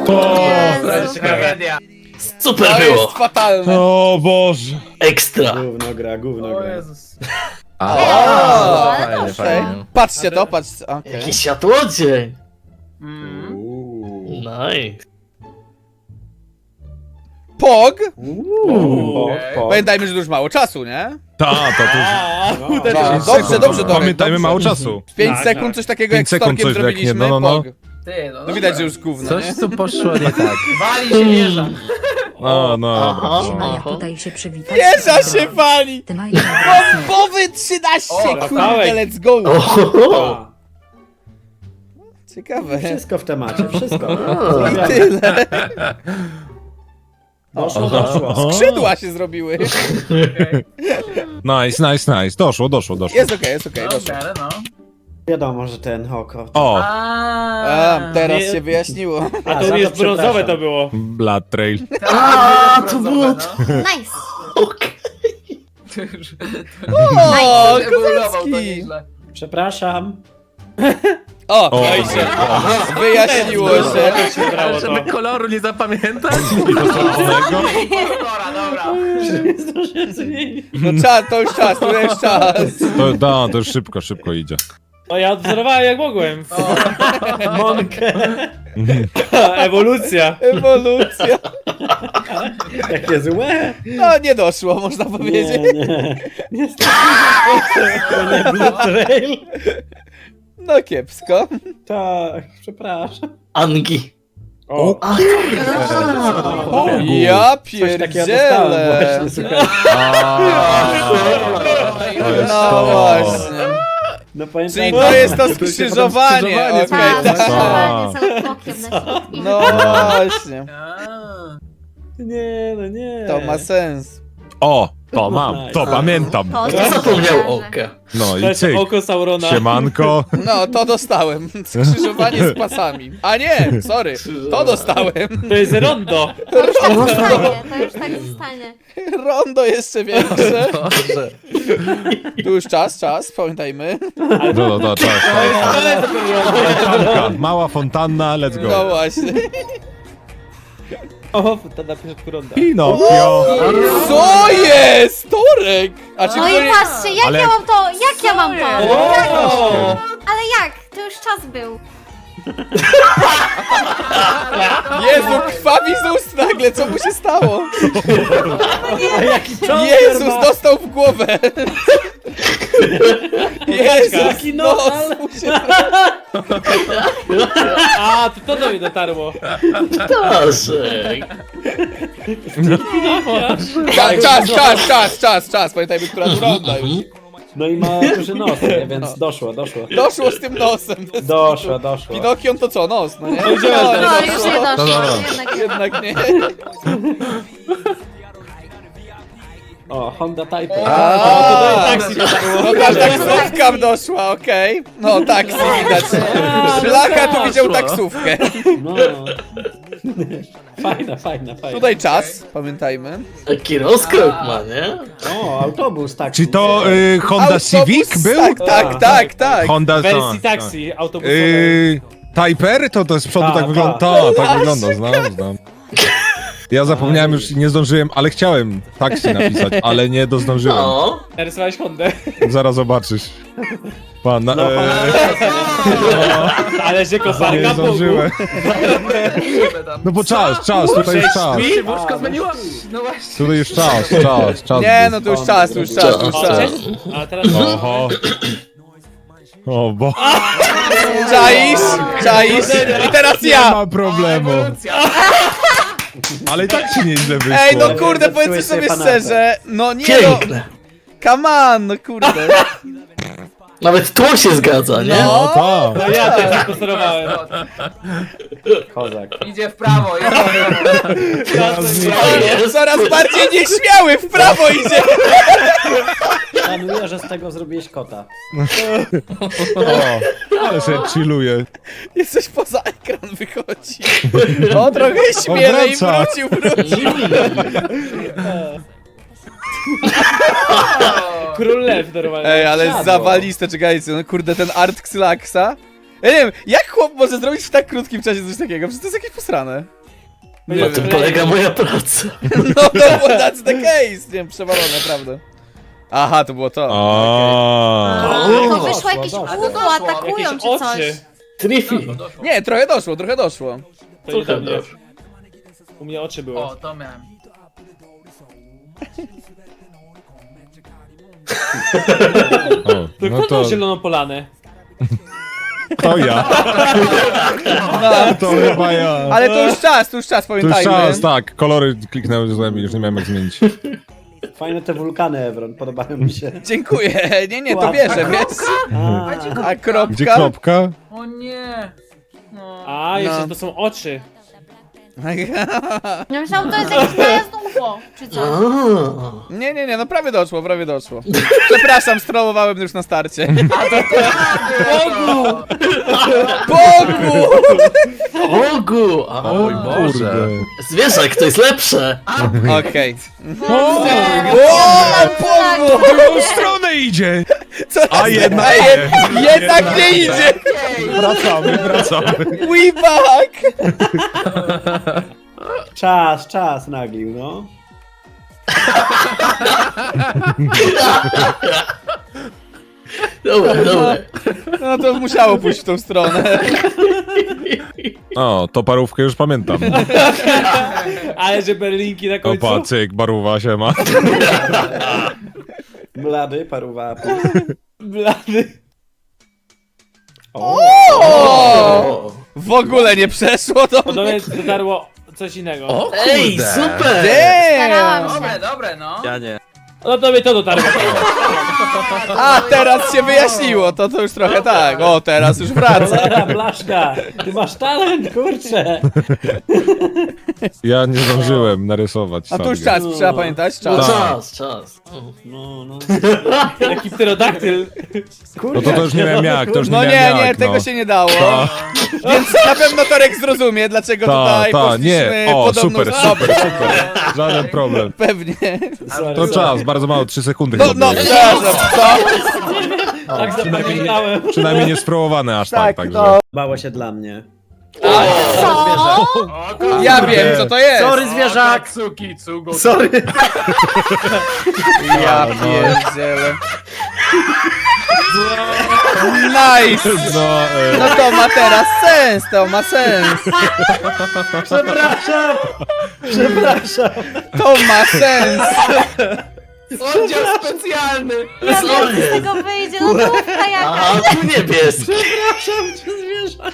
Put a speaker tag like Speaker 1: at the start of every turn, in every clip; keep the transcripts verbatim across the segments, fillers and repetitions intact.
Speaker 1: Jezu.
Speaker 2: Tragedia.
Speaker 3: Super
Speaker 4: To
Speaker 3: było!
Speaker 4: jest fatalne.
Speaker 5: O Boże.
Speaker 3: Ekstra!
Speaker 6: Gówno gra, gówno
Speaker 2: O
Speaker 6: gra.
Speaker 2: Jezus.
Speaker 4: O,
Speaker 1: ale
Speaker 4: fajnie,
Speaker 1: dobrze.
Speaker 4: fajnie. Patrzcie to, patrzcie. Okay.
Speaker 3: Jaki światłodzień!
Speaker 2: Mm.
Speaker 6: Uuu.
Speaker 3: Nice!
Speaker 4: Pog!
Speaker 6: Uuu.
Speaker 2: Okej.
Speaker 6: Po,
Speaker 4: Pamiętajmy, że już mało czasu, nie?
Speaker 5: Ta, to tu.
Speaker 6: po.
Speaker 4: No,
Speaker 6: No.
Speaker 4: dobrze, dobrze, Dorek,
Speaker 5: Pamiętajmy,
Speaker 4: dobrze.
Speaker 5: mało czasu.
Speaker 4: pięć
Speaker 6: Tak,
Speaker 4: sekund,
Speaker 6: tak.
Speaker 4: coś takiego
Speaker 5: Pięć
Speaker 4: jak z
Speaker 5: sekund
Speaker 4: Storkiem
Speaker 5: coś leknie,
Speaker 4: zrobiliśmy.
Speaker 5: no, no, no.
Speaker 4: Pog.
Speaker 2: Ty, no,
Speaker 4: No widać, że już gówno,
Speaker 7: Coś
Speaker 4: nie?
Speaker 7: tu poszło nie tak.
Speaker 2: Wali się wieża.
Speaker 5: No, no, dobra.
Speaker 3: Aha.
Speaker 5: no.
Speaker 1: Maja, podaj się przywitać.
Speaker 4: Wieża się wali!
Speaker 1: Ty Maja,
Speaker 4: Bombowy trzynaście,
Speaker 2: O,
Speaker 4: kurde,
Speaker 6: Rafałek.
Speaker 4: let's go!
Speaker 3: Ohoho!
Speaker 6: A,
Speaker 4: Ciekawe.
Speaker 6: wszystko w temacie, wszystko.
Speaker 4: I tyle.
Speaker 6: Doszło, doszło.
Speaker 4: Skrzydła się zrobiły.
Speaker 5: Nice, nice, nice. Doszło, doszło, doszło.
Speaker 4: Jest okej, jest okej,
Speaker 2: Dobrze,
Speaker 4: doszło.
Speaker 2: ale no.
Speaker 6: Wiadomo, że ten oko.
Speaker 5: O,
Speaker 4: A, teraz
Speaker 8: Nie-
Speaker 4: się wyjaśniło.
Speaker 6: A,
Speaker 8: A to
Speaker 6: za
Speaker 8: już
Speaker 6: to
Speaker 8: brązowe
Speaker 6: przepraszam.
Speaker 8: to było.
Speaker 5: Blood Trail.
Speaker 3: A, to było to!
Speaker 1: nice.
Speaker 3: Okej.
Speaker 4: O,
Speaker 2: Ewoluował to
Speaker 4: kozacki!
Speaker 2: nieźle.
Speaker 6: Przepraszam.
Speaker 4: O,
Speaker 5: O.
Speaker 4: no i się. Wyjaśniło się.
Speaker 8: To się brało to.
Speaker 7: Żeby koloru nie zapamiętać?
Speaker 2: Dobra, dobra.
Speaker 6: Nie zdążyłem zmienić.
Speaker 4: No czas, to już czas, to już czas.
Speaker 5: To, da, to już szybko, szybko idzie.
Speaker 8: No ja odwzorowałem jak mogłem.
Speaker 6: Monkę.
Speaker 8: Ewolucja.
Speaker 4: Ewolucja.
Speaker 6: Jakie złe.
Speaker 4: No nie doszło, można powiedzieć.
Speaker 6: Nie, nie. Niestety. To nie Blue Trail.
Speaker 4: No kiepsko.
Speaker 6: Tak, przepraszam.
Speaker 3: Angi.
Speaker 6: O,
Speaker 3: A,
Speaker 4: Ja
Speaker 6: coś takiego dostałem
Speaker 4: pierdzielę.
Speaker 6: właśnie, słuchaj.
Speaker 5: To jest
Speaker 4: No
Speaker 5: to.
Speaker 4: właśnie.
Speaker 6: No pamiętam.
Speaker 4: Czyli to jest to skrzyżowanie,
Speaker 5: skrzyżowanie,
Speaker 4: okej.
Speaker 1: Tak,
Speaker 5: tak.
Speaker 1: skrzyżowanie z autokiem na środku.
Speaker 4: No właśnie.
Speaker 2: A.
Speaker 6: Nie, no nie.
Speaker 4: To ma sens.
Speaker 5: O, to mam, to pamiętam.
Speaker 1: To
Speaker 3: kto zapomniał oka?
Speaker 5: No
Speaker 8: To
Speaker 5: i
Speaker 8: jest
Speaker 5: cyk.
Speaker 8: oko Saurona.
Speaker 5: Siemanko.
Speaker 4: No, to dostałem. Skrzyżowanie z pasami. A nie, sorry. To dostałem.
Speaker 8: To jest rondo.
Speaker 1: To już tak zostanie, to już tak zostanie.
Speaker 4: Rondo jeszcze większe.
Speaker 7: Boże.
Speaker 4: Tu już czas, czas, pamiętajmy.
Speaker 5: No, no, no, czas, czas. Fontanka, mała fontanna, let's
Speaker 4: No
Speaker 5: go.
Speaker 4: właśnie.
Speaker 8: O, to na początku ronda.
Speaker 5: Pinokio.
Speaker 4: Co jest? Torek! A czy
Speaker 1: No
Speaker 4: to
Speaker 1: i
Speaker 4: nie...
Speaker 1: patrzcie, jak
Speaker 5: Ale-
Speaker 1: ja mam to, jak ja mam to?
Speaker 8: O!
Speaker 1: Ale jak? To już czas był.
Speaker 4: Jezu, krwawi z ust nagle, co mu się stało?
Speaker 6: A jaki cząster
Speaker 4: Jezus,
Speaker 6: ma.
Speaker 4: dostał w głowę. Jezus,
Speaker 6: Taki nos,
Speaker 4: nos
Speaker 6: ale-
Speaker 4: mu się...
Speaker 8: A, to to do mnie dotarło.
Speaker 3: Staszek!
Speaker 4: Czas, czas, czas, czas, czas, czas. Pamiętajmy, która tu ronda już.
Speaker 6: No i ma duży nos, nie? Więc doszło, doszło.
Speaker 4: Doszło z tym nosem.
Speaker 6: Doszło, doszło.
Speaker 4: Pinokion to co, nos, no nie?
Speaker 8: No idziemy
Speaker 4: No,
Speaker 8: teraz.
Speaker 1: No,
Speaker 4: nie
Speaker 1: już
Speaker 4: doszło.
Speaker 1: nie doszło,
Speaker 5: dobra.
Speaker 1: jednak nie.
Speaker 4: Jednak nie.
Speaker 6: O, Honda Type.
Speaker 4: A,
Speaker 8: to do taksi dotarło.
Speaker 4: No ta taksówka wdoszła, okej. No taksi widać. Szlaka tu widział taksówkę.
Speaker 6: No. Fajna, fajna, fajna.
Speaker 4: Tutaj czas, pamiętajmy.
Speaker 3: Taki rozkrok ma, nie?
Speaker 6: O, autobus, tak.
Speaker 5: Czy to y, Honda
Speaker 4: Autobus,
Speaker 5: Civic był?
Speaker 4: Tak, tak, tak, tak.
Speaker 5: Honda,
Speaker 8: W wersji
Speaker 5: tak,
Speaker 8: taksi autobusowej.
Speaker 5: Yy, Typer? To, to z przodu
Speaker 6: Ta,
Speaker 5: tak
Speaker 6: ta.
Speaker 5: wygląda. Ta, tak wygląda, znam, znam. Ja zapomniałem już, nie zdążyłem, ale chciałem taksi napisać, ale nie dozdążyłem.
Speaker 3: No.
Speaker 8: Narysowałeś Hondę.
Speaker 5: Zaraz zobaczysz. Pan, na,
Speaker 6: No,
Speaker 5: e,
Speaker 8: Ale że
Speaker 5: nie
Speaker 8: koparka Bogu.
Speaker 5: zdążyłem. No bo czas, czas, tutaj jest czas.
Speaker 7: Mi się łóżko zmieniło?
Speaker 2: No właśnie.
Speaker 5: Tutaj już czas, czas, czas.
Speaker 4: Nie, no to już czas, to już czas, to już czas.
Speaker 8: A teraz
Speaker 5: Oho. O, bo
Speaker 4: Czaisz, czaisz. I teraz
Speaker 5: nie
Speaker 4: ja.
Speaker 5: ma problemu. Ale i tak ci nieźle wyszło.
Speaker 4: Ej, no kurde,
Speaker 6: Zepsułeś
Speaker 4: powiedzmy sobie
Speaker 6: sobie panatę.
Speaker 4: szczerze. No nie no.
Speaker 3: Piękne!
Speaker 4: Come on, no kurde.
Speaker 3: Nawet tło się zgadza, nie?
Speaker 5: No tak.
Speaker 8: no ja też zakonserwowałem.
Speaker 6: Kozak.
Speaker 2: Idzie w prawo, idzie w prawo.
Speaker 4: O, coraz bardziej nieśmiały, w prawo idzie.
Speaker 6: Szanuję, że z tego zrobiłeś kota.
Speaker 5: O, ale się chilluje.
Speaker 4: Jesteś poza ekran wychodzi. O, trochę śmielej,
Speaker 5: wraca.
Speaker 4: wrócił, wrócił.
Speaker 8: Król lew normalnie.
Speaker 4: Ej, ale
Speaker 6: Siadło.
Speaker 4: zawaliste, czekajcie, no kurde, ten art Xylaxa. Ja nie wiem, jak chłop może zrobić w tak krótkim czasie coś takiego? Przecież to jest jakieś posrane.
Speaker 3: Na tym polega moja praca.
Speaker 4: No, no, bo that's the case. Nie wiem, przewalone, naprawdę. Aha, to było to.
Speaker 5: A.
Speaker 1: To
Speaker 3: O,
Speaker 1: wyszło jakieś
Speaker 2: doszło.
Speaker 1: udło, atakują
Speaker 8: Jakieś
Speaker 1: czy coś.
Speaker 8: oczy.
Speaker 3: Trifi.
Speaker 2: Doszło.
Speaker 4: Nie, trochę doszło, trochę doszło.
Speaker 8: To nie do mnie. U mnie oczy były.
Speaker 2: O, to miałem.
Speaker 5: O,
Speaker 8: To
Speaker 5: no
Speaker 8: kto
Speaker 5: to,
Speaker 8: dał zieloną polanę?
Speaker 5: to ja. To chyba ja.
Speaker 4: Ale to już czas, to już czas,
Speaker 5: To już
Speaker 4: pamiętajmy.
Speaker 5: czas, tak. Kolory kliknęły złem i już nie miałem jak zmienić.
Speaker 6: Fajne te wulkany, Evron, podobają mi się.
Speaker 4: Dziękuję. Nie, nie, to
Speaker 6: Ładnie.
Speaker 4: bierze, wiesz?
Speaker 6: A,
Speaker 4: A kropka?
Speaker 5: Gdzie kropka?
Speaker 2: O nie. No.
Speaker 8: A, jeszcze
Speaker 4: No.
Speaker 8: to są oczy.
Speaker 1: Ja myślałam, to jest jakieś najazd udło, czy coś.
Speaker 3: A.
Speaker 4: Nie, nie, nie, no prawie doszło, prawie doszło. Przepraszam, strołowałem już na starcie.
Speaker 2: Bogu!
Speaker 4: Bogu!
Speaker 3: Ogu! A,
Speaker 7: Oj, Boże.
Speaker 5: Kurde.
Speaker 3: zwierzak, to jest lepsze!
Speaker 4: Okej.
Speaker 5: O,
Speaker 4: O, Bogu!
Speaker 5: w drugą stronę idzie!
Speaker 4: Co?
Speaker 5: A jednak
Speaker 4: A jed
Speaker 5: nie.
Speaker 4: jednak nie idzie!
Speaker 5: Wracamy, wracamy.
Speaker 4: We back!
Speaker 6: czas, czas naglił, no.
Speaker 3: Dobre, dobre.
Speaker 4: No to musiało pójść w tą stronę.
Speaker 5: O, to parówkę już pamiętam.
Speaker 8: Ale że berlinki na końcu.
Speaker 5: Opa, cyk, barówa się ma.
Speaker 6: Blady, paruwa.
Speaker 8: Blady.
Speaker 4: O! W ogóle nie przeszło to.
Speaker 8: Podobnie dotarło coś innego.
Speaker 7: O
Speaker 3: Ej,
Speaker 7: kurde.
Speaker 3: super!
Speaker 1: Starałam
Speaker 4: Damn!
Speaker 1: się.
Speaker 2: Dobre, dobre, no.
Speaker 7: Ja nie.
Speaker 8: No to mnie to dotarło.
Speaker 4: A, teraz się wyjaśniło, to to już trochę tak. O, teraz już wraca.
Speaker 6: Cholera, Blaszka, ty masz talent, kurczę.
Speaker 5: Ja nie zdążyłem narysować.
Speaker 4: A tu już
Speaker 5: sobie.
Speaker 4: czas, trzeba pamiętać,
Speaker 3: No
Speaker 4: czas.
Speaker 3: czas, czas.
Speaker 6: No, no.
Speaker 8: Jaki pterodaktyl.
Speaker 5: No to, to już nie miałem jak, to już nie
Speaker 4: No
Speaker 5: miałem
Speaker 4: nie, nie,
Speaker 5: jak,
Speaker 4: tego
Speaker 5: no.
Speaker 4: się nie dało. Więc na pewno Torek zrozumie, dlaczego
Speaker 5: Ta,
Speaker 4: tutaj
Speaker 5: ta,
Speaker 4: poszliśmy
Speaker 5: nie, o,
Speaker 4: podobną
Speaker 5: super,
Speaker 4: stopę.
Speaker 5: super, super. Żaden problem.
Speaker 4: Pewnie.
Speaker 6: Sorry,
Speaker 5: To
Speaker 6: sorry.
Speaker 5: czas, bardzo mało, trzy sekundy
Speaker 4: No,
Speaker 5: chyba
Speaker 4: no,
Speaker 5: było.
Speaker 4: przepraszam, co?
Speaker 8: Tak zapamiętałem.
Speaker 5: Przynajmniej nie sprowowane aż tak,
Speaker 4: Tak,
Speaker 5: także.
Speaker 4: no.
Speaker 6: Bało się dla mnie.
Speaker 1: Co?
Speaker 4: Ja wiem, co to jest.
Speaker 6: Sorry, zwierzak!
Speaker 2: Cuki, cugo.
Speaker 6: Sorry.
Speaker 4: Ja pierdzielę. Nice!
Speaker 5: No, e,
Speaker 4: No to ma teraz sens, to ma sens.
Speaker 6: Przepraszam! Przepraszam!
Speaker 4: To ma sens.
Speaker 2: Oddział specjalny.
Speaker 1: Ja wiem, co z tego wyjdzie, no to jakaś.
Speaker 3: Aha, tu niebieski.
Speaker 6: Przepraszam cię, zwierzak!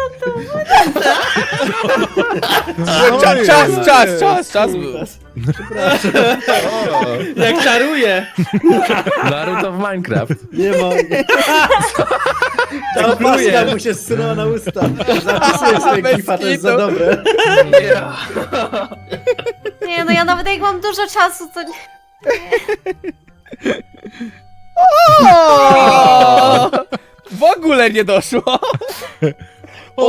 Speaker 4: Cza, czas, czas, czas, czas był.
Speaker 8: Jak czaruje.
Speaker 7: Naruto w Minecraft.
Speaker 6: Nie mogę. Ta opaska mu się zsunęła na usta. Zapisuję sobie
Speaker 4: Bez
Speaker 6: gifa, to jest za
Speaker 4: kitu.
Speaker 6: dobre.
Speaker 1: Nie no, ja nawet jak mam dużo czasu, to nie...
Speaker 4: O! W ogóle nie doszło. O!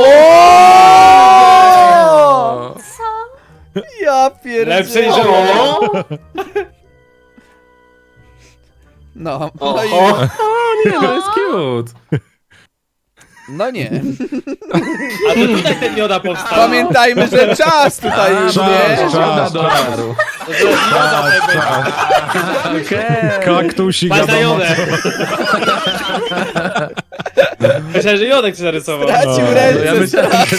Speaker 1: Co?
Speaker 4: Ja
Speaker 8: Lepsze niż
Speaker 4: pierdzielę.
Speaker 3: O!
Speaker 4: No, no i...
Speaker 3: O!
Speaker 7: Nie, to jest cute.
Speaker 4: No nie.
Speaker 8: A to tutaj ten mioda powstał.
Speaker 4: Pamiętajmy, że czas tutaj już,
Speaker 5: czas,
Speaker 4: nie?
Speaker 5: czas.
Speaker 7: Żadna dolaru.
Speaker 8: To jest mioda tutaj będzie.
Speaker 7: Okej.
Speaker 5: kaktusik,
Speaker 8: Patrz na
Speaker 5: wiadomo.
Speaker 8: jodę. Myślałem, że jodek się zarysował.
Speaker 4: Stracił
Speaker 5: O,
Speaker 7: No,
Speaker 4: ręce.
Speaker 7: ja myślałem, że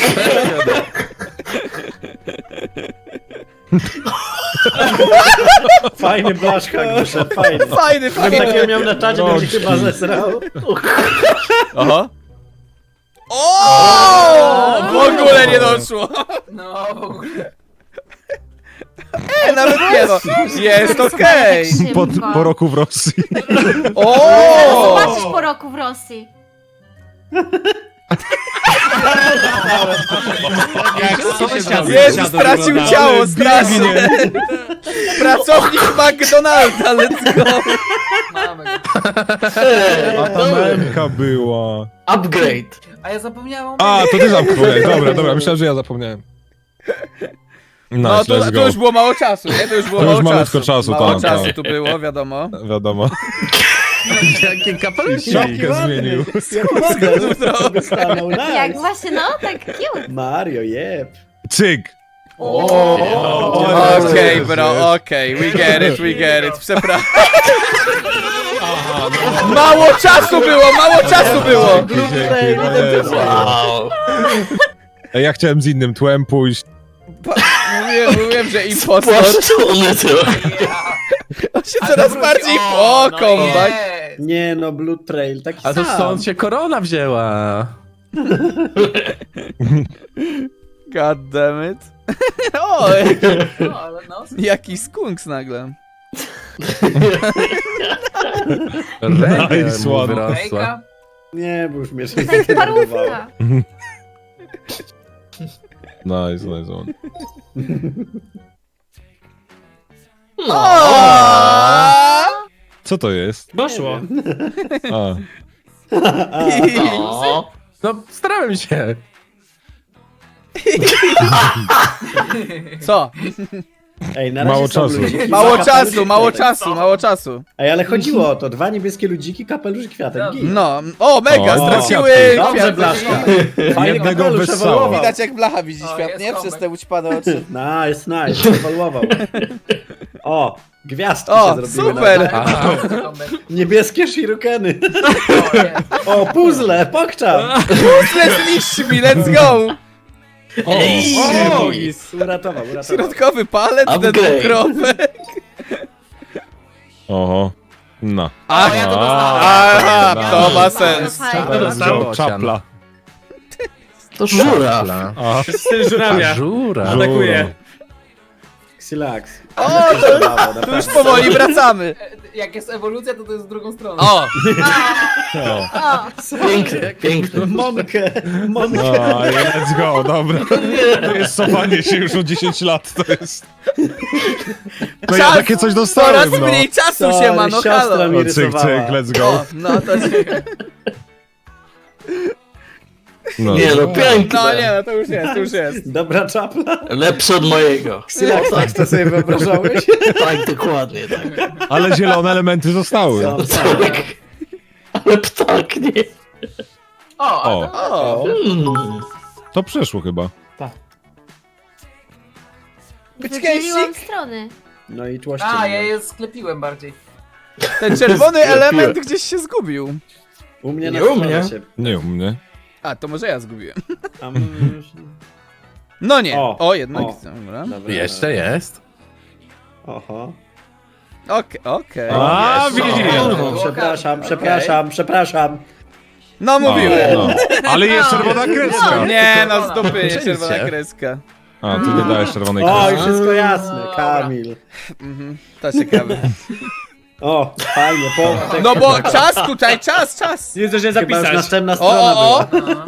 Speaker 6: Fajny Blaszka, Gusza, fajny.
Speaker 4: Fajny,
Speaker 6: Gdybym takiego
Speaker 4: fajny.
Speaker 6: miał na czacie, bym się chyba zesrał.
Speaker 4: Aha. O! W ogóle nie doszło.
Speaker 2: No, w ogóle.
Speaker 4: E, nawet nie no. Jest okej.
Speaker 5: Po, po roku w Rosji.
Speaker 4: O!
Speaker 1: Zobaczysz po roku w Rosji.
Speaker 8: Jak sąsiad
Speaker 4: Jezu,
Speaker 8: sąsiadu
Speaker 4: stracił
Speaker 8: wyglądał.
Speaker 4: ciało strasznie. Pracownik McDonalda, let's go.
Speaker 2: Mamy.
Speaker 5: A ta memka była.
Speaker 3: Upgrade.
Speaker 2: A ja zapomniałem.
Speaker 5: A, to ty zapomniałeś. Dobra, dobra, myślałem, że ja zapomniałem. Nice,
Speaker 4: No to,
Speaker 5: let's
Speaker 4: to
Speaker 5: go.
Speaker 4: już było mało czasu, nie? To już było
Speaker 5: To już
Speaker 4: mało
Speaker 5: malutko
Speaker 4: czasu.
Speaker 5: czasu,
Speaker 4: Mało
Speaker 5: tak,
Speaker 4: czasu
Speaker 5: tak.
Speaker 4: tu było, wiadomo.
Speaker 5: Wiadomo.
Speaker 7: jakie kapelusi.
Speaker 5: Czapkę zmienił.
Speaker 6: Jak model stanął,
Speaker 1: Jak
Speaker 6: nice.
Speaker 1: właśnie, no, tak cute.
Speaker 6: Mario, jeb.
Speaker 5: Cyk.
Speaker 4: Okej, bro, okej, we get it, we get it, przepraszam. Mało czasu było, mało czasu było!
Speaker 3: Wow.
Speaker 5: Ej, ja chciałem z innym tłem pójść.
Speaker 4: Mówiłem, mówiłem, że impostor.
Speaker 3: Płaszczony trochę.
Speaker 4: On się coraz bardziej... O, comeback.
Speaker 2: Jest.
Speaker 6: Nie no, Blue Trail, taki
Speaker 7: A to
Speaker 6: sam.
Speaker 7: stąd się korona wzięła.
Speaker 4: God damn it. O,
Speaker 2: No, ale no.
Speaker 4: jaki skunks nagle.
Speaker 7: Reggae
Speaker 5: Nice
Speaker 7: mu
Speaker 5: one.
Speaker 7: wyrosła.
Speaker 2: Hejka.
Speaker 6: Nie, bo już mnie się
Speaker 1: Tak parówka.
Speaker 5: Nice, nice one.
Speaker 4: O!
Speaker 5: Co to jest?
Speaker 8: Poszło.
Speaker 5: A,
Speaker 3: O.
Speaker 7: No, starałem się.
Speaker 4: Co?
Speaker 6: Ej, na razie
Speaker 5: Mało
Speaker 6: są
Speaker 5: czasu.
Speaker 6: ludziki,
Speaker 4: Mało
Speaker 6: dwa
Speaker 4: czasu,
Speaker 6: kapelusze
Speaker 4: mało
Speaker 6: kwiatek.
Speaker 4: czasu, mało czasu.
Speaker 6: Ej, ale chodziło o to, dwa niebieskie ludziki, kapelusz i kwiatek. Git.
Speaker 4: No, o, mega,
Speaker 5: O,
Speaker 4: straciły
Speaker 6: Dobrze,
Speaker 4: kwiat.
Speaker 6: Blaszka. Fajny
Speaker 5: Jednego
Speaker 6: kapelusz
Speaker 5: wessało.
Speaker 6: ewoluował.
Speaker 4: Widać jak blacha widzi
Speaker 2: O,
Speaker 4: świat,
Speaker 2: jest
Speaker 4: nie?
Speaker 2: comeback.
Speaker 4: Przez te ućpane oczy.
Speaker 6: Nice, nice, ewoluował. O, gwiazdki
Speaker 4: O,
Speaker 6: się zrobiły.
Speaker 4: super.
Speaker 6: Na...
Speaker 7: Aha.
Speaker 6: Niebieskie shurikeny.
Speaker 2: O, jest.
Speaker 6: O, puzzle, pokczam.
Speaker 4: Let's zniszczy mi, let's go!
Speaker 3: Ej.
Speaker 8: O,
Speaker 6: Uratował, uratował.
Speaker 4: Środkowy palec, ten
Speaker 3: Upgrade.
Speaker 4: dwukropek.
Speaker 5: oho. No.
Speaker 2: O, ja to dostałem.
Speaker 4: Aha,
Speaker 5: Nice.
Speaker 4: to ma sens.
Speaker 1: Fajnie.
Speaker 5: Teraz
Speaker 7: Dostał.
Speaker 5: Joe, czapla.
Speaker 3: To żuraw.
Speaker 5: A,
Speaker 8: styl żurawia.
Speaker 7: Żura.
Speaker 8: Atakuje.
Speaker 6: Xilax.
Speaker 4: O, to, tu już powoli wracamy.
Speaker 2: E, Jak jest ewolucja, to to jest w drugą stronę.
Speaker 4: O,
Speaker 5: o.
Speaker 1: O,
Speaker 3: Piękny, piękny.
Speaker 6: Monkę, monkę.
Speaker 5: No, i let's go, dobra. To jest cofanie się już o dziesięć lat, to jest... To ja
Speaker 4: Czas-
Speaker 5: takie coś
Speaker 4: coraz
Speaker 5: dostałem, no.
Speaker 4: mniej czasu
Speaker 6: Sorry,
Speaker 4: się ma, no
Speaker 6: siostra
Speaker 4: halo.
Speaker 6: mi
Speaker 5: No, cyk,
Speaker 6: rysowała.
Speaker 5: cyk, let's
Speaker 4: O,
Speaker 5: go.
Speaker 4: no to...
Speaker 5: No.
Speaker 3: Nie no, piękne.
Speaker 4: No nie, no to już jest, to już jest.
Speaker 6: Dobra czapla.
Speaker 3: Lepszy od mojego.
Speaker 6: Xilax, tak to sobie wyobrażałeś?
Speaker 3: Tak, dokładnie, tak.
Speaker 5: Ale zielone elementy zostały.
Speaker 6: No,
Speaker 3: Tak. Ale ptak nie.
Speaker 2: O, a
Speaker 5: O.
Speaker 2: to...
Speaker 4: O,
Speaker 3: Mm.
Speaker 5: To przeszło chyba.
Speaker 1: wydzieliłam strony.
Speaker 6: No i tłoście.
Speaker 2: A,
Speaker 6: mnie.
Speaker 2: ja je sklepiłem bardziej.
Speaker 4: ten czerwony
Speaker 3: Sklepiłem.
Speaker 4: element gdzieś się zgubił.
Speaker 6: U mnie na
Speaker 3: Nie u
Speaker 6: stronę
Speaker 3: mnie.
Speaker 6: się...
Speaker 5: Nie u mnie.
Speaker 4: A, to może ja zgubiłem.
Speaker 6: Tam...
Speaker 4: No nie,
Speaker 6: O,
Speaker 4: o jednak,
Speaker 6: o.
Speaker 4: dobra.
Speaker 6: Dobra,
Speaker 7: Jeszcze jest.
Speaker 6: Oho.
Speaker 4: Okej, okej.
Speaker 5: A,
Speaker 3: Jest.
Speaker 5: widzisz.
Speaker 3: O.
Speaker 6: Przepraszam, przepraszam, przepraszam.
Speaker 4: No
Speaker 5: No,
Speaker 4: mówiłem.
Speaker 5: no. Ale jest czerwona kreska.
Speaker 4: Nie, no z dupy, nie
Speaker 7: Przejdźcie.
Speaker 4: czerwona kreska.
Speaker 5: A, ty nie dałeś czerwonej
Speaker 6: O,
Speaker 5: kreski.
Speaker 6: i wszystko jasne, Kamil.
Speaker 4: Mhm, to ciekawe.
Speaker 6: O, fajnie, po...
Speaker 4: No bo czas tutaj, czas, czas.
Speaker 8: Nie zdążyłem
Speaker 6: Chyba już
Speaker 8: zapisać.
Speaker 6: następna
Speaker 4: O,
Speaker 6: strona
Speaker 4: o, o.
Speaker 6: była.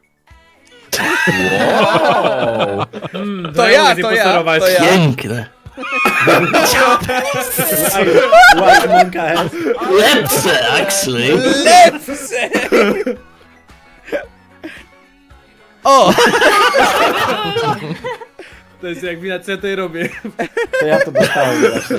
Speaker 7: Wow.
Speaker 8: Mm,
Speaker 4: To
Speaker 8: nie
Speaker 4: ja,
Speaker 8: mogę
Speaker 4: to ja,
Speaker 8: zimposterować.
Speaker 4: to ja.
Speaker 3: Piękne.
Speaker 6: White Monka has.
Speaker 3: Lepsze, actually.
Speaker 4: Lepsze! O!
Speaker 8: To jest jak wina, co ja tutaj robię.
Speaker 6: To ja to dostałem właśnie.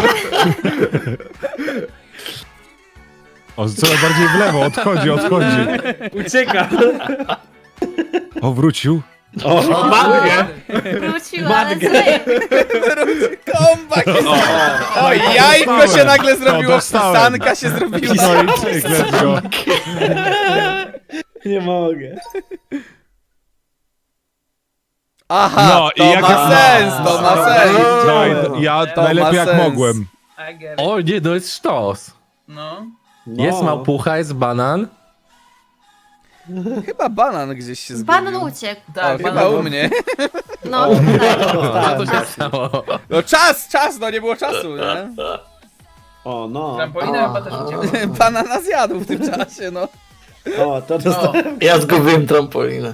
Speaker 5: O, coraz bardziej w lewo, odchodzi, odchodzi.
Speaker 8: Ucieka.
Speaker 5: O, wrócił.
Speaker 6: O,
Speaker 8: Matkę.
Speaker 1: Wróciła, ale zły.
Speaker 4: Comeback jest... O, jajko się nagle zrobiło,
Speaker 5: dostałem.
Speaker 4: pisanka się zrobiła.
Speaker 5: No i cyk, let's go.
Speaker 6: nie mogę.
Speaker 4: Aha,
Speaker 5: No, i
Speaker 4: to
Speaker 5: jak-
Speaker 4: ma sens, to ma sens.
Speaker 5: No i ja
Speaker 4: To
Speaker 5: najlepiej
Speaker 4: ma
Speaker 5: jak
Speaker 4: sens.
Speaker 5: mogłem.
Speaker 2: I get it.
Speaker 7: O nie, to jest sztos.
Speaker 2: No.
Speaker 6: No.
Speaker 7: Jest małpucha, jest banan.
Speaker 4: Chyba banan gdzieś się zgubił.
Speaker 1: Banan uciekł.
Speaker 4: O,
Speaker 2: Tak,
Speaker 4: chyba
Speaker 2: banan-
Speaker 4: u mnie.
Speaker 1: No, tak.
Speaker 7: Co
Speaker 6: Dostałem.
Speaker 7: to się stało?
Speaker 4: No czas, czas, no nie było czasu, nie?
Speaker 6: O, no.
Speaker 2: Trampolina chyba też uciekła.
Speaker 4: Banana zjadł w tym czasie, no.
Speaker 6: O, to dostałem.
Speaker 3: Ja zgubiłem trampolinę.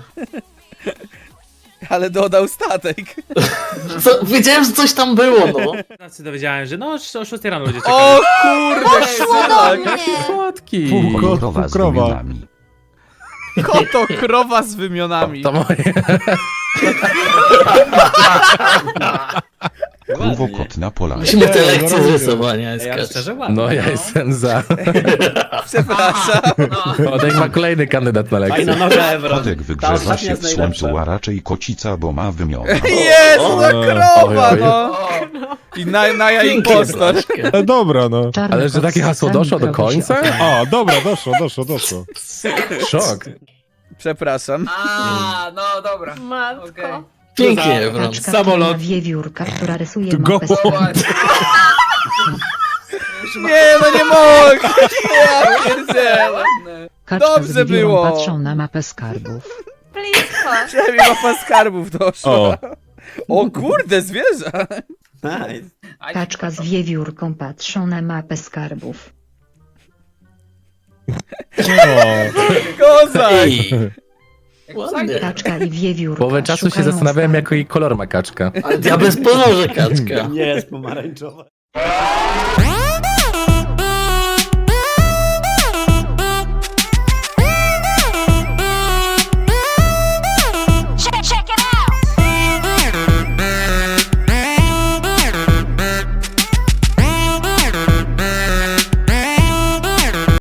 Speaker 4: Ale dodał statek.
Speaker 3: Co, wiedziałem, że coś tam było, no.
Speaker 8: Znaczy dowiedziałem, że no o szóstej rano będzie czekać.
Speaker 4: O kurde,
Speaker 1: Poszło do
Speaker 4: tak.
Speaker 1: mnie.
Speaker 7: Słodki.
Speaker 5: Pół, ko- pół krowa.
Speaker 4: Koto, krowa z wymionami.
Speaker 7: To moje.
Speaker 9: Kruwokot na polach.
Speaker 3: Musimy te lekcje z
Speaker 5: robię.
Speaker 3: rysowania
Speaker 6: Ej, ale
Speaker 3: skać.
Speaker 6: szczerze ładnie.
Speaker 7: No ja jestem za.
Speaker 4: Przepraszam.
Speaker 7: O, tak ma kolejny kandydat na lekcję.
Speaker 6: Fajna noga, Evron.
Speaker 9: Kotek
Speaker 6: Ta
Speaker 9: wygrzewa
Speaker 6: ostatnia
Speaker 9: się
Speaker 6: jest
Speaker 9: w słońcu,
Speaker 6: najlepsza.
Speaker 9: a raczej kocica, bo ma wymiona.
Speaker 4: Jest, no krowa,
Speaker 7: Oj, oj.
Speaker 4: no.
Speaker 2: O,
Speaker 4: I na, na ja
Speaker 3: Pięknie,
Speaker 4: impostor.
Speaker 3: Blaszkę.
Speaker 5: E, dobra, no.
Speaker 7: Ale że takie hasło doszło do końca?
Speaker 5: A, dobra, doszło, doszło, doszło.
Speaker 7: Szok.
Speaker 4: Przepraszam.
Speaker 2: a, no dobra. Okej.
Speaker 1: Matko.
Speaker 3: Pięknie, Evron.
Speaker 10: Kaczka
Speaker 6: Samolot.
Speaker 10: Samolot. Wiewiórka, która rysuje
Speaker 5: Ty
Speaker 10: mapę
Speaker 5: go-
Speaker 10: skarbu.
Speaker 2: Ładnie.
Speaker 4: Nie, no nie mogę. Ja pierdzielę.
Speaker 2: Ładne.
Speaker 10: Kaczka
Speaker 4: Dobrze
Speaker 10: z wiewiórą
Speaker 4: było.
Speaker 10: patrzą na mapę skarbów.
Speaker 1: Blisko.
Speaker 4: Przynajmniej mapa skarbów doszła.
Speaker 5: O,
Speaker 4: O kurde, zwierzę.
Speaker 6: Nice.
Speaker 2: Aj,
Speaker 10: Kaczka z wiewiórką patrzą na mapę skarbów.
Speaker 5: o.
Speaker 4: Kozak.
Speaker 3: Ej,
Speaker 2: jak
Speaker 3: ładnie.
Speaker 10: Kaczka i wiewiórka
Speaker 7: Połowę czasu się
Speaker 10: szukają
Speaker 7: zastanawiałem,
Speaker 10: skarbów.
Speaker 7: jaki kolor ma kaczka.
Speaker 3: Ale ja bez ponoży kaczka.
Speaker 6: Nie jest pomarańczowa.